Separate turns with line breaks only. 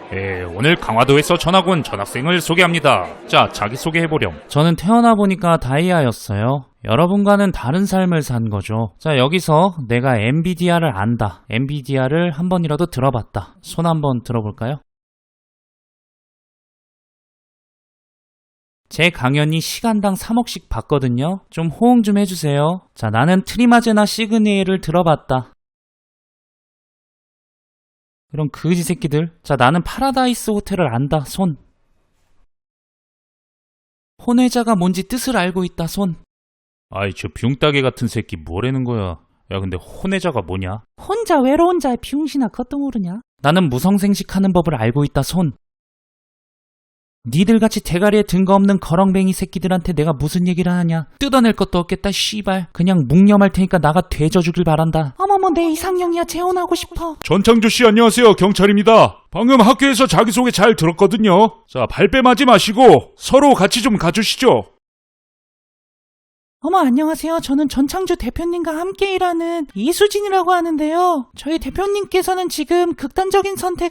오늘 강화도에서 전학 온 전학생을 소개합니다. 자, 자기소개해보렴.
저는 태어나 보니까 다이아였어요. 여러분과는 다른 삶을 산 거죠. 자, 여기서 내가 엔비디아를 안다. 엔비디아를 한 번이라도 들어봤다. 손 한번 들어볼까요? 제 강연이 시간당 3억씩 받거든요. 좀 호응 좀 해주세요. 자, 나는 트리마제나 시그니엘을 들어봤다. 그럼 그지 새끼들. 자, 나는 파라다이스 호텔을 안다. 손. 혼외자가 뭔지 뜻을 알고 있다. 손.
아이, 저 붕따개 같은 새끼 뭐라는 거야. 야, 근데 혼외자가 뭐냐?
혼자 외로운 자의 비용신아 그것도 모르냐? 나는 무성생식하는 법을 알고 있다. 손. 니들같이 대가리에 근거 없는 거렁뱅이 새끼들한테 내가 무슨 얘기를 하냐? 뜯어낼 것도 없겠다. 씨발. 그냥 묵념할 테니까 나가 되져주길 바란다. 어머머, 내 이상형이야. 재혼하고 싶어.
전창조씨 안녕하세요. 경찰입니다. 방금 학교에서 자기소개 잘 들었거든요. 자, 발뺌하지 마시고 서로 같이 좀 가주시죠.
어머, 안녕하세요. 저는 전창주 대표님과 함께 일하는 이수진이라고 하는데요. 저희 대표님께서는 지금 극단적인 선택